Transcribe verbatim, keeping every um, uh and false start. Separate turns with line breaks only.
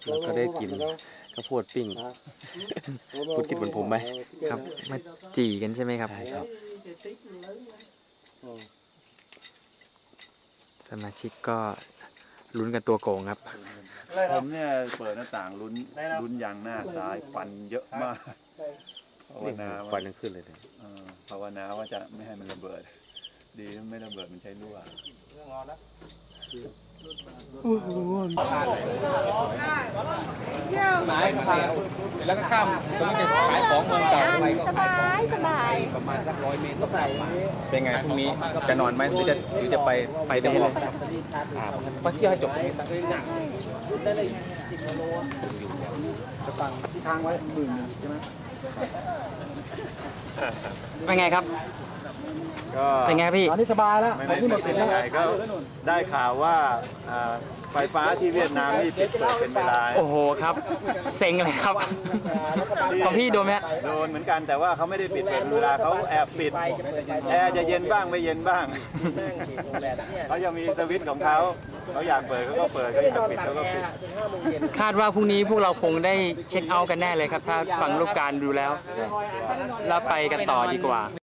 แล้วก็ได้กินข้าวโพดปิ้งคุณคิดเหมือนผมไหม
ครับมาจี่กันใช่ไหมครับ
ใช่ครับ
สมาชิกก็ลุ้นกันตัวโกงครับ
ผมเนี่ยเปิดหน้าต่างลุ้นลุ้นยางหน้าซ้ายฟันเยอะมากภาว
เรียก
นา
ควั
ว่าน
ยังขึ้นเลยเนี่ย
เออภาวนาว่าจะไม่ให้มันระเบิด ดีไม่ระเบิดมันใช้รั่ว
แล้วก็ข้ามตรงนี้จะขายของเมืองเก่าไป
สบายสบาย
ประมาณสักร้อยเมตรก็กลับมา
เป็นไงพรุ่งนี้จะนอนไหมหรือจะหรือจะไปไปได้เลย
ไปเที่ยวให้จบตรงนี้สัก
เป็นไงครับ
ก็
เป็นไงพี่
ตอนนี้สบายแล้ว
ไม่ได้เป็นยังไงก็ได้ข่าวว่าอ่าไฟฟ้าที่เวียดนามนี่ปิดเปิดเป็นเวลา
โอ้โหครับ เซ็งเลยครับ ของพี่โดนไหมฮะ
โดนเหมือนกันแต่ว่าเขาไม่ได้ปิดเป็นเวลาเขาแอบปิดแอร์จะเย็นบ้างไม่เย็นบ้างเขายังมีสวิตช์ของเขาเขาอยากเปิดเขาก็เปิดเขาอยากปิดเขาก็ปิด
คาดว่าพรุ่งนี้พวกเราคงได้เช็คเอาท์กันแน่เลยครับ ถ้าฟังลูกการดูแล้ว แล้วไปกันต่อดีกว่า